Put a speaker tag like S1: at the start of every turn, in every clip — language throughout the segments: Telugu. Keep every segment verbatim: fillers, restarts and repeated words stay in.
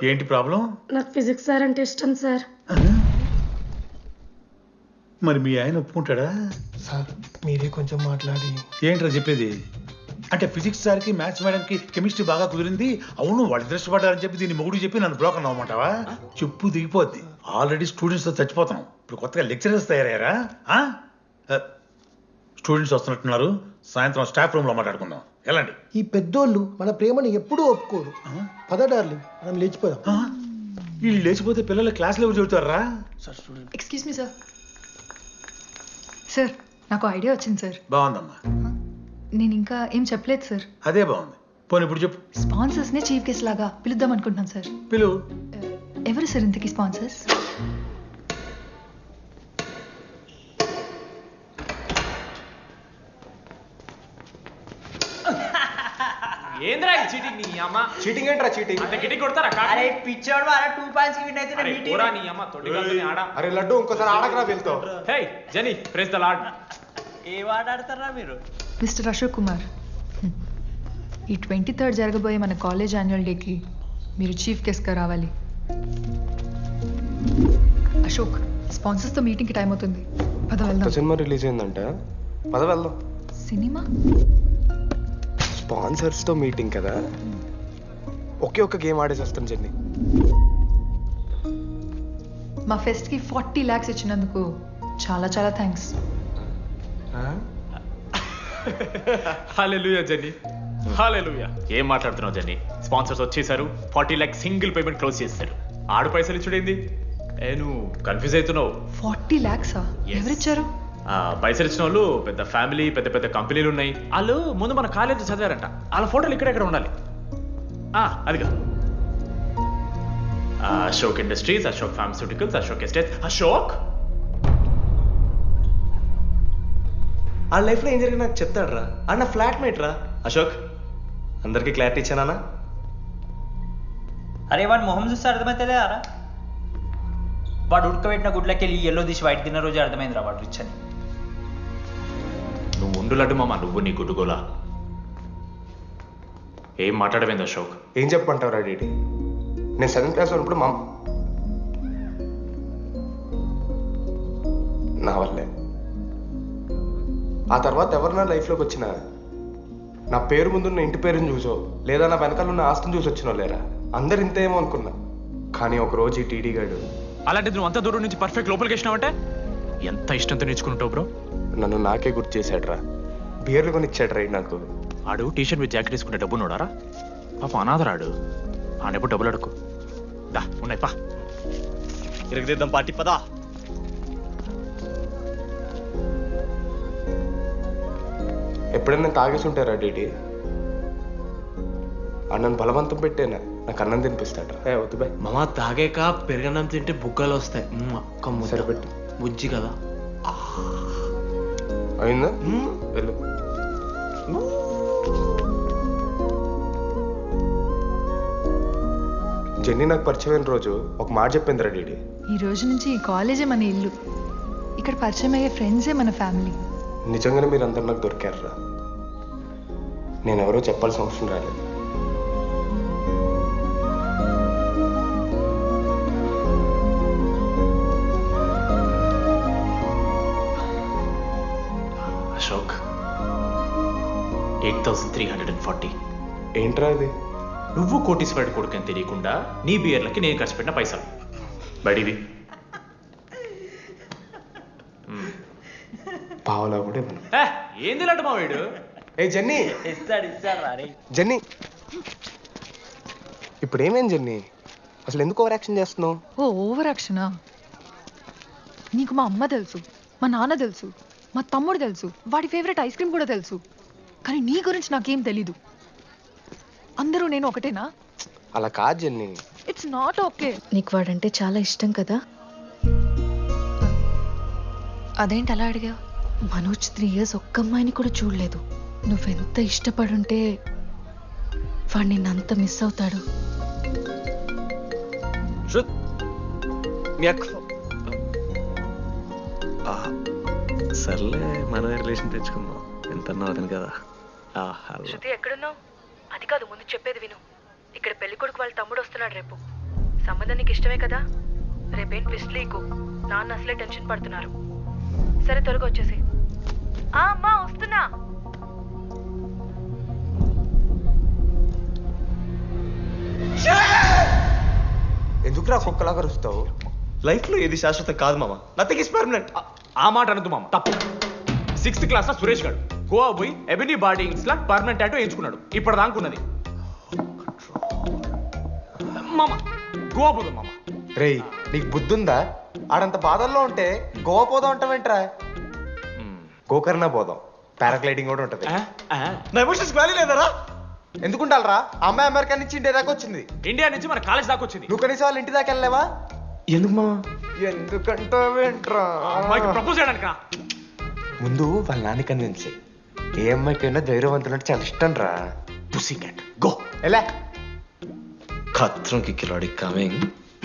S1: ఏంటి ప్రాబ్లం?
S2: నాకు ఫిజిక్స్ సార్ అంటే ఇష్టం సార్.
S1: మరి మీ ఆయన ఒప్పుకుంటాడా?
S3: సార్ మీరే కొంచెం మాట్లాడి.
S1: ఏంట్రా చెప్పేది? అంటే ఫిజిక్స్ సార్కి మ్యాథ్స్ మేడంకి కెమిస్ట్రీ బాగా కుదిరింది, అవును వాళ్ళు ఇష్టపడ్డారని చెప్పి దీన్ని మొగుడు చెప్పి నన్ను బ్లాక్ అన్నమాటవా? చెప్పు దిగిపోద్ది. ఆల్రెడీ స్టూడెంట్స్ తో చచ్చిపోతున్నాం, ఇప్పుడు కొత్తగా లెక్చరర్స్ తయారయ్యారా? స్టూడెంట్స్ వస్తున్నట్టున్నారు, సాయంత్రం స్టాఫ్ రూమ్ లో మాట్లాడుకుందాం. ఎలాంటి
S3: ఈ పెద్దోళ్ళు మన ప్రేమను ఎప్పుడూ ఒప్పుకోరు. పద డార్లింగ్, మనం లేచిపోదాం.
S1: వీళ్ళు లేచిపోతే పిల్లలు క్లాస్లో ఎవరు చెబుతారా?
S4: Excuse me sir. సార్ నాకు ఐడియా వచ్చింది సార్.
S1: బాగుందమ్మా.
S4: నేను ఇంకా ఏం చెప్పలేదు సార్.
S1: అదే బాగుంది. పోనీ ఇప్పుడు చెప్పు.
S4: స్పాన్సర్స్ నే చీఫ్ గెస్ట్ లాగా పిలుద్దాం అనుకుంటున్నాను సార్.
S1: పిలువు.
S4: ఎవరు సార్ ఇంతకీ స్పాన్సర్స్?
S5: ఏంద్రా చీటింగ్? నీ అమ్మ
S3: చీటింగ్ ఏంట్రా చీటింగ్?
S5: అంత గిటి కొడతారా?
S6: అరే పిచ్చోడు వారా టూ పాయింట్స్ కి విన్ అయితే
S5: అరే పోరా నీ అమ్మ తొడిగల్ని ఆడ.
S3: అరే లడ్డు ఇంకోసారి ఆడకరా వెళ్తావు.
S5: Hey Jani praise the lord.
S6: ఏ ఆట ఆడతారా మీరు?
S4: మిస్టర్ అశోక్ కుమార్, ఈ ట్వంటీ థర్డ్ జరగబోయే మన కాలేజ్ యాన్యువల్ డేకి మీరు చీఫ్ గెస్ట్గా రావాలి. అశోక్, స్పాన్సర్స్తో మీటింగ్కి టైం అవుతుంది, పద వెళ్దాం.
S3: సినిమా రిలీజ్ అయిందంట, పద వెళ్దాం.
S4: సినిమా?
S3: స్పాన్సర్స్తో మీటింగ్ కదా, ఒకే ఒక్క గేమ్ ఆడేసి వస్తాం జర్నీ.
S4: మా ఫెస్ట్కి ఫార్టీ ల్యాక్స్ ఇచ్చినందుకు చాలా చాలా థ్యాంక్స్.
S5: హల్లెలూయా జని, హల్లెలూయా. ఏం మాట్లాడుతున్నావు జని? స్పాన్సర్స్ వచ్చేసారు, forty lakh single payment close చేస్తారు. ఆడు పైసలు ఇచ్చుడేంది? ఏ నువ్వు కన్ఫ్యూజ్ అవుతున్నావు.
S4: ఫార్టీ ల్యాక్సా? ఎవరిచ్చారు?
S5: పైసలు ఇచ్చిన వాళ్ళు పెద్ద ఫ్యామిలీ, పెద్ద పెద్ద కంపెనీలు ఉన్నాయి. వాళ్ళు ముందు మన కాలేజ్ చదివారంట, వాళ్ళ ఫోటోలు ఇక్కడెక్కడ ఉండాలి. అదిగా Ashok industries, Ashok pharmaceuticals, Ashok estates. Ashok
S7: ఆ లైఫ్లో ఏం జరిగింది నాకు చెప్తాడు రా. అన్న ఫ్లాట్ మేట్ రా అశోక్. అందరికీ క్లారిటీ ఇచ్చానా?
S6: అరే వాడు మొహం చూస్తే అర్థమైతేలేదా రా? వాడు ఉడకబెట్టిన గుడ్లకి వెళ్ళి ఎల్లో తీసి వైట్ తిన్న రోజు అర్థమైందిరా వాడు రిచ్ అని.
S5: నువ్వు ఉండులడ్డు మామ, నువ్వు నీ గుడ్డుగోలా. ఏం మాట్లాడమైంది అశోక్?
S3: ఏం చెప్పమంటావు రా డీడీ? నేను సెవెంత్ క్లాస్ ఉన్నప్పుడు మా నా వల్లే. ఆ తర్వాత ఎవరు నా లైఫ్లోకి వచ్చినా నా పేరు ముందున్న ఇంటి పేరుని చూసో లేదా నా వెనకాల ఉన్న ఆస్తిని చూసి వచ్చినో లేరా, అందరు ఇంతేమో అనుకున్నా. కానీ ఒకరోజు ఈ టీడీ గాడు.
S5: అలాంటిది నువ్వు అంత దూరం నుంచి పర్ఫెక్ట్ లోపలికి వేసినావంటే ఎంత ఇష్టంతో నేర్చుకుంటావు బ్రో.
S3: నన్ను నాకే గుర్తు చేశాడు రా, బియర్లు కొని ఇచ్చాడు రా నాకు.
S5: ఆడు టీషర్ట్ మీద జాకెట్ వేసుకుంటే డబ్బు నోడారా? పాప అనాథరాడు, ఆడెప్పుడు డబ్బులు అడుకు. దా ఉన్నాయి పా,
S7: ఇరగదిద్దాం పార్టీ పదా.
S3: ఎప్పుడైనా తాగేసి ఉంటారా డీడీ? అన్నను బలవంతం పెట్టేనా నాకు అన్నం తినిపిస్తాడు. ఏ వద్దు బాయ్
S7: మామ, తాగాక పెరగన్నం తింటే బుగ్గలు వస్తాయి. అక్క
S3: సరిపెట్టు,
S7: బుజ్జి కదా.
S3: అయిందా? వెళ్ళు. జెన్నీ నాకు పరిచయమైన రోజు ఒక మాట చెప్పిందిరా డీడీ.
S4: ఈ రోజు నుంచి ఈ కాలేజే మన ఇల్లు, ఇక్కడ పరిచయం అయ్యే ఫ్రెండ్సే మన ఫ్యామిలీ.
S3: నిజంగానే మీరు అందరు నాకు దొరికారురా. నేను ఎవరో చెప్పాల్సిన అవసరం రాలేదు.
S5: Ashok, eight thousand three hundred and forty.
S3: ఏంట్రా ఇది?
S5: నువ్వు కోటీశ్వరుడి కొడుకని తెలియకుండా నీ బియర్లకి నేను ఖర్చు పెట్టిన పైసలు బడివి.
S3: పావలా కూడా ఇవ్వను.
S5: ఏంది లాంటి మా వీడు?
S3: ఏ జెన్నీ,
S6: ఇస్తాడు ఇస్తాడు రా.
S3: జెన్నీ ఇప్పుడు ఏమేం జెన్నీ? అసలు ఎందుకు ఓవర్ యాక్షన్ చేస్తున్నావు?
S4: ఓ ఓవర్ యాక్షనా? నీకు మా అమ్మ తెలుసు, మా నాన్న తెలుసు, మా తమ్ముడు తెలుసు, వాడి ఫేవరెట్ ఐస్ క్రీమ్ కూడా తెలుసు. కానీ నీ గురించి నాకేం తెలీదు. అందరూ నేను ఒకటేనా?
S3: అలా కాదు జెన్నీ.
S4: It's not okay.
S8: నీకు వాడంటే చాలా ఇష్టం కదా?
S4: అదేంటి అలా అడిగావు?
S8: మనోజ్ త్రీ ఇయర్స్ ఒక్క అమ్మాయిని కూడా చూడలేదు. నువ్వెంత ఇష్టపడుంటే వాడు నిన్నంత మిస్ అవుతాడు.
S7: సర్లే, మన రిలేషన్ తెచ్చుకుందాం. ఎంత అతను కదా.
S8: శృతి ఎక్కడున్నావు? అది కాదు, ముందు చెప్పేది విను. ఇక్కడ పెళ్లి కొడుకు వాళ్ళ తమ్ముడు వస్తున్నాడు రేపు. సంబంధం నీకు ఇష్టమే కదా, రేపేం ట్విస్ట్ లీకు. నాన్న అసలే టెన్షన్ పడుతున్నారు. సరే త్వరగా వచ్చేసి. ఆ అమ్మా వస్తున్నా.
S3: ఎందుకురా కుక్కలాగా రుస్తావు?
S7: లైఫ్లో ఏది శాశ్వతం కాదు మామ. Nothing is permanent.
S5: ఆ మాట అనదు మామ, తప్పు. సిక్స్త్ క్లాస్ లో సురేష్ గారు గోవా పోయి ఎబినీ బాడీస్ లా పర్మనెంట్ టాటూ ఎంచుకున్నాడు. ఇప్పుడు దానుకున్నది మామ. గోవా పోదాం మామ.
S3: రేయ్ నీకు బుద్ధుందా? ఆడంత బాధల్లో ఉంటే గోవా పోదాం అంటావేంట్రా? గోకర్ణ పోదాం, పారాగ్లైడింగ్ కూడా ఉంటది.
S5: ఆ, ఆ.
S7: నా ఎమోషన్స్ వాల్యూ లేదరా?
S3: ఎందుకుంటారా? అమ్మాయి అమెరికా నుంచి ఇండియా దాకా వచ్చింది.
S5: ఇండియా నుంచి మన కాలేజ్ దాకా వచ్చింది.
S3: నువ్వు కనీసం వాళ్ళ ఇంటి దాకా వెళ్ళలేవా?
S7: ఎందుకు మామ?
S3: ఎందుకంటావేంట్రా?
S5: అమ్మాయికి ప్రపోజ్ చేయడానికి రా.
S3: ముందు వాళ్ళ నాన్న కన్విన్స్ చేయి. ఏ అమ్మాయికైనా ధైర్యవంతులంటే చాలా ఇష్టం రా.
S5: Pussy cat go.
S3: ఎలా?
S7: ఖత్రం కి కిలాడి కమింగ్.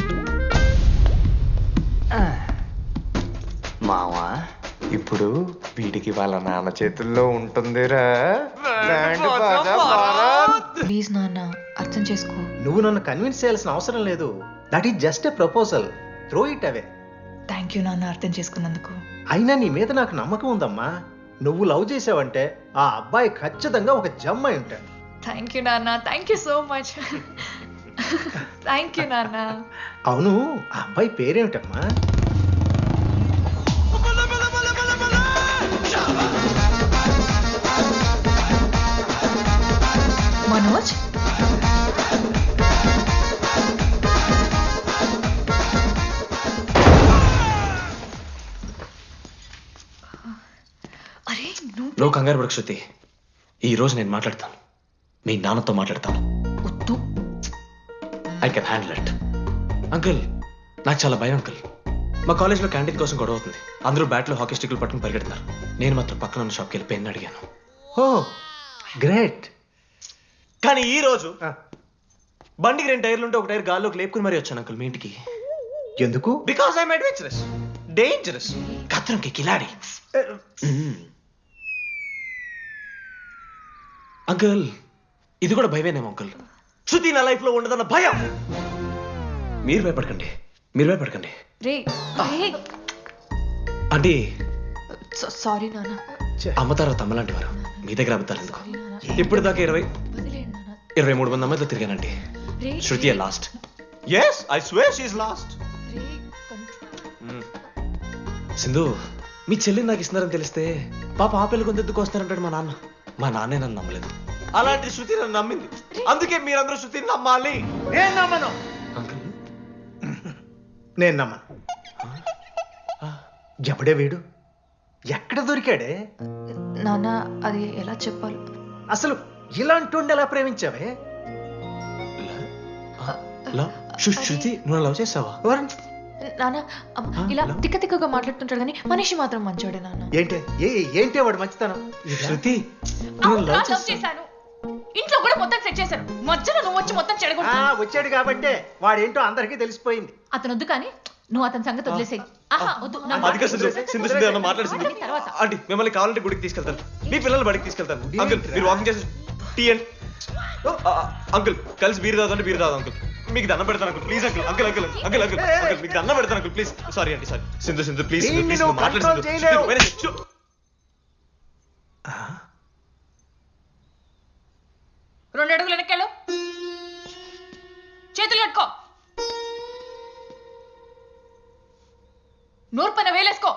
S3: మావా ఇప్పుడు వీడికి వాళ్ళ నాన్న చేతుల్లో ఉంటుందిరా. Land బాజా భారత్.
S8: ప్లీజ్ నాన్న అర్థం చేసుకో.
S9: నువ్వు నన్ను కన్విన్స్ చేయాల్సిన అవసరం లేదు. That is just a proposal. Throw it away.
S8: Thank you నాన్న అర్థం చేసుకున్నందుకు.
S9: అయినా నీ మీద నాకు నమ్మకం ఉందమ్మా. నువ్వు లవ్ చేసావంటే ఆ అబ్బాయి ఖచ్చితంగా ఒక జమ్ అయి ఉంటాడు.
S8: థ్యాంక్ యూ నాన్న, thank you so much. Thank you నాన్న.
S9: అవును, ఆ అబ్బాయి పేరేమిటమ్మా?
S8: మనోజ్. అరే నువ్వు
S7: నువ్వు కంగారు పడకు శృతి. ఈ రోజు నేను మాట్లాడతాను, మీ నాన్నతో మాట్లాడతాను.
S8: వద్దు.
S7: I can handle it. Uncle నాకు చాలా భయం అంకుల్. మా కాలేజ్లో క్యాంటీన్ కోసం గొడవ అవుతుంది. అందరూ బ్యాట్లో హాకీ స్టిక్లు పట్టుకుని పరిగెడుతున్నారు. నేను మాత్రం పక్కన ఉన్న షాప్కి వెళ్ళి పెన్ అడిగాను.
S9: Oh great.
S7: కానీ ఈ రోజు బండికి రెండు టైర్లు ఉంటే ఒక టైర్ గాల్లోకి లేపుకుని మరీ వచ్చాను అంకుల్ మీ ఇంటికి.
S9: ఎందుకు?
S7: బికాస్ ఐఎమ్ అడ్వెంచరస్, డేంజరస్, కత్రంకి కిలాడి. అంకుల్ ఇది కూడా భయమేనేమో అంకుల్. శృతి నా లైఫ్ లో ఉండదన్న భయం. మీరు భయపడకండి, మీరు భయపడకండి.
S8: రే రే.
S7: అంటే
S8: సారీ నాన్న.
S7: అమ్మ తర్వాత అమ్మలాంటి వారు మీ దగ్గర అబద్ధాలు ఎందుకు?
S8: సారీ నాన్న.
S7: ఇప్పుడు దాకా ఇరవై
S8: వదిలేండి నాన్న.
S7: ఇరవై మూడు మంది అమ్మాయితో తిరిగానండి.
S8: రే
S7: Shruti lost. Yes I swear she is lost.
S8: రే కంట్రోల్.
S7: సింధు మీ చెల్లిని నాకు ఇస్తున్నారని తెలిస్తే పాప ఆ పిల్ల కొంతెత్తుకు వస్తారంటాడు మా నాన్న. మా నాన్నే నన్ను నమ్మలేదు. అలాంటి శృతి నన్ను నమ్మింది. అందుకే మీరందరూ శృతిని నమ్మాలి.
S9: నేను నమ్మను.
S7: అంకుల్
S9: నేను నమ్మను. ఎవడే వీడు? ఎక్కడ దొరికాడే?
S8: నాన్న అది ఎలా చెప్పాలి?
S9: అసలు ఇలాంటి ఎలా ప్రేమించావే?
S7: లవ్ శృ- శృతి నువ్వు లవ్ చేసావా?
S9: ఎవరు?
S8: నాన్న అమ్మ, ఇలా తిక్క తిక్కగా మాట్లాడుతుంటాడు కానీ మనిషి మాత్రం మంచోడే నాన్న.
S9: ఏంటి ఏ ఏంటి వాడు మంచితనం?
S7: శృతి
S8: అవును,
S7: నువ్వు లవ్
S8: లవ్
S7: చేసావా?
S8: చేశాను. ఇంట్లో కూడా మొత్తం సెట్ చేశాను. మధ్యలో నువ్వు వచ్చి మొత్తం
S9: ఆ,
S8: చెడగొట్టావు.
S9: వచ్చాడు కాబట్టే వాడేంటో అందరికీ తెలిసిపోయింది.
S8: అతను వద్దు కానీ నువ్వు అతని సంగతి వదిలేసేయి. ఆహా వద్దు నా మాట
S7: అదిగా సింధు సింధు సింధు ఏమన్నా మాట్లాడు సింధు.
S8: మాట్లాడిన తర్వాత.
S7: ఆంటీ మిమ్మల్ని కావాలంటే గుడికి తీసుకెళ్తాను, మీ పిల్లలు బడికి తీసుకెళ్తాను. అంకుల్ మీరు వాకింగ్ చేసి టీ అండ్ అంకుల్ కలిసి బీరు తాగుతుంటే బీరు తాగు అంకుల్. మీకు దండం పెడతాను uncle please uncle. Uncle uncle uncle uncle uncle మీకు దండం పెడతాను అంకుల్ ప్లీజ్. సారీ అండి సారీ. సింధు సింధు ప్లీజ్
S9: దీన్ని
S7: ప్లీజ్
S9: నువ్వు
S7: మాట్లాడు
S9: control
S7: సింధు.
S9: చేయలేవు.
S7: శృతి, వేరే శృ-
S8: రెండు అడుగులు వెనక్కాలు, చేతులు కట్టుకో, నూరు పైన వేలేసుకో.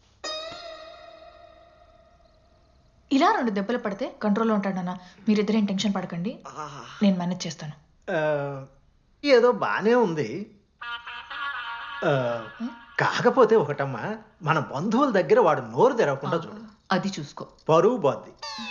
S8: ఇలా రెండు దెబ్బలు పడితే కంట్రోల్లో ఉంటాడు నాన్న. మీరిద్దరేం టెన్షన్ పడకండి, నేను మేనేజ్ చేస్తాను.
S9: ఆ, ఏదో బానే ఉంది. ఆ, కాకపోతే ఒకటమ్మా, మన బంధువుల దగ్గర వాడు నోరు తెరవకుండా చూడు.
S8: అది చూసుకో.
S9: పరువు బాద్ది.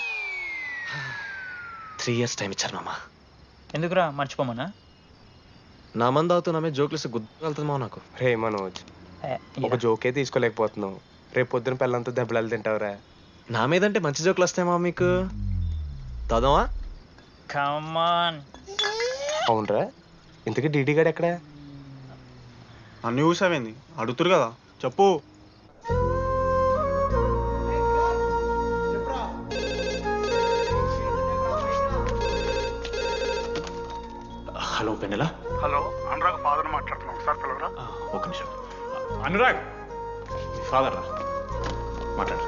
S7: త్రీ ఇయర్స్ టైం ఇచ్చారు మామ.
S6: ఎందుకురా మర్చిపోమన్నా?
S7: నా మంది అవుతూ నా మీద జోకులు గుర్తుకెళ్తుంది మామ నాకు.
S3: రే మనోజ్, ఒక జోకే తీసుకోలేకపోతున్నావు. రేపు పొద్దున పిల్లలతో దెబ్బలు తింటావురా.
S7: నా మీద అంటే మంచి జోకులు వస్తాయి మామ మీకు. తాదామా?
S6: కమాన్.
S3: అవునరా, ఇంతకీ డీడీ గాడు ఎక్కడా?
S10: అన్ని చూసావేంది? అడుగుతురు కదా, చెప్పు.
S7: హలో
S5: హలో పెన్నెలా.
S10: హలో అనురాగ్ ఫాదర్ మాట్లాడుతున్నాం సార్ పిల్లరా.
S5: ఆ, ఒక్క నిమిషం. అనురాగ్ ఫాదర్ రా, మాట్లాడు.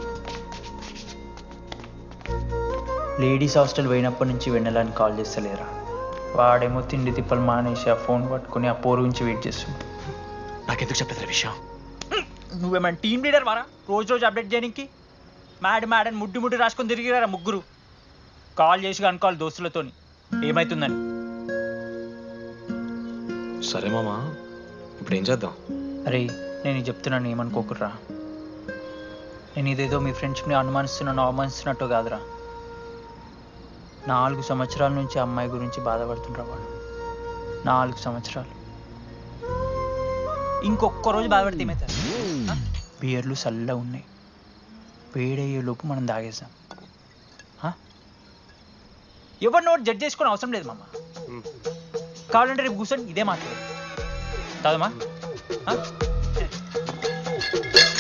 S6: లేడీస్ హాస్టల్ పోయినప్పటి నుంచి వెన్నెలని కాల్ చేస్తలేరా. వాడేమో తిండి తిప్పలు మానేసి ఆ ఫోన్ పట్టుకుని ఆ పోరు గురించి వెయిట్ చేస్తుంది.
S5: నాకెందుకు చెప్పలేదు విషయం?
S6: నువ్వేమైనా టీం లీడర్ వారా రోజు రోజు అప్డేట్ చేయడానికి? మ్యాడ్ మ్యాడ్ అని ముడ్డి ముడ్డి రాసుకొని తిరిగిరారా ముగ్గురు. కాల్ చేసి అనుకోవాలి దోస్తులతోని ఏమవుతుందని.
S7: సరే మామా, ఇప్పుడు ఏం చేద్దాం?
S6: అరే నేను ఇది చెప్తున్నాను ఏమనుకోకుర్రా. నేను ఇదేదో మీ ఫ్రెండ్స్ని అనుమానిస్తున్నాను అవమానిస్తున్నట్టు కాదురా. నాలుగు సంవత్సరాల నుంచి అమ్మాయి గురించి బాధపడుతుండ్రా వాడు. నాలుగు సంవత్సరాలు. ఇంకొక్క రోజు బాధపడితే ఏమవుతారు? బియర్లు చల్లగా ఉన్నాయి, వేడయ్యే లోపు మనం తాగేసాం. ఎవరి నోట్ జడ్జ్ చేసుకుని అవసరం లేదు మామ. కావాలంటే రేపు కూర్చొని ఇదే మాట్లాడు. కాదమ్మా.